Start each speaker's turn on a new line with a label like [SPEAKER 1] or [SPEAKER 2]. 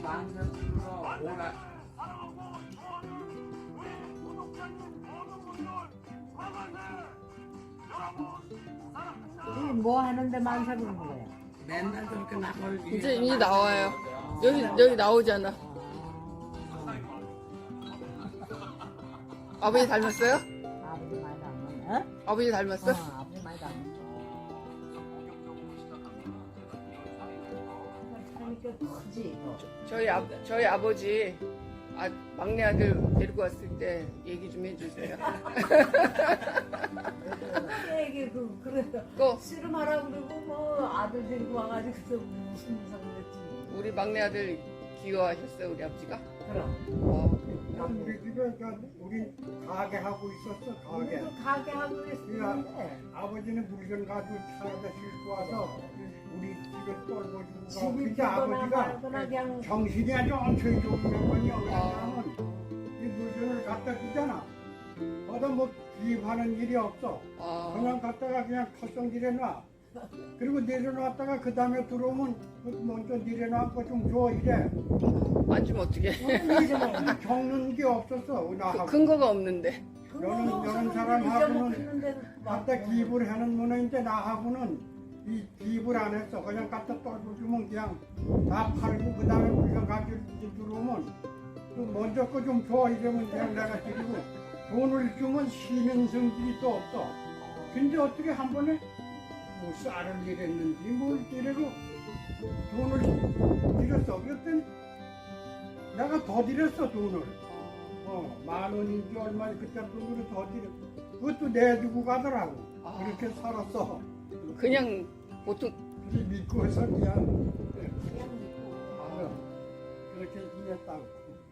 [SPEAKER 1] 만세부터 오라.
[SPEAKER 2] 이 뭐 하는데 만세 부르는 거야?
[SPEAKER 1] 맨날 그렇게 나걸
[SPEAKER 3] 이제 이 나와요. 여기 나오잖아. 아버지 닮았어요?
[SPEAKER 2] 아버지 많이 닮았네. 어?
[SPEAKER 3] 아버지 닮았어?
[SPEAKER 2] 아버지 많이 닮았네. 사람이 꽤 크지.
[SPEAKER 3] 저희 아버지 막내 아들 데리고 왔을 때 얘기 좀 해주세요.
[SPEAKER 2] 이게 그래
[SPEAKER 3] 또
[SPEAKER 2] 씨름하라 그러고 뭐 아들 데리고 와가지고 또 무슨 이상 그랬지.
[SPEAKER 3] 우리 막내 아들 귀여워하셨어요 우리 아버지가?
[SPEAKER 2] 그럼.
[SPEAKER 4] 우리 집에 우리 가게 하고 있었어. 가게.
[SPEAKER 2] 우리도 가게 하고 그랬었는데
[SPEAKER 4] 아버지는 물건 가지고 차에다 싣고 와서 우리 집에 떨궈주고 가고.
[SPEAKER 2] 집이
[SPEAKER 4] 근데
[SPEAKER 2] 되거나
[SPEAKER 4] 아버지가
[SPEAKER 2] 말거나 그냥
[SPEAKER 4] 정신이 아주 엄청 좋은 양반이야. 왜냐하면 이 물건을 갖다 주잖아. 거기다 뭐 기입하는 일이 없어.
[SPEAKER 3] 아,
[SPEAKER 4] 그냥 갖다가 그냥 털성질해 놔. 그리고 내려놨다가 그 다음에 들어오면 먼저 내려놓고 좀 줘 이래.
[SPEAKER 3] 만지면 어떡해.
[SPEAKER 4] 겪는 게 없었어. 나하고.
[SPEAKER 3] 근거가 없는데.
[SPEAKER 4] 여는 사람하고는 갖다 기입을 하는 문화인데 나하고는 이 기입을 안 했어. 그냥 갖다 떨어주면 그냥 다 팔고 그 다음에 우리가 가지고 들어오면 또 먼저 거 좀 줘 이러면 그냥 내가 드리고 돈을 주면 쉬는 성질이 또 없어. 근데 어떻게 한 번에 뭐 쌀을 이랬는지 뭘 이래고 돈을 드렸어. 그랬더니 내가 더 드렸어 돈을. 10,000원인지 얼마 그때 돈으로 더 드렸어. 그것도 내주고 가더라고.
[SPEAKER 3] 아.
[SPEAKER 4] 그렇게 살았어.
[SPEAKER 3] 그냥 보통
[SPEAKER 4] 그게 믿고서 그냥 그렇게 지냈다고.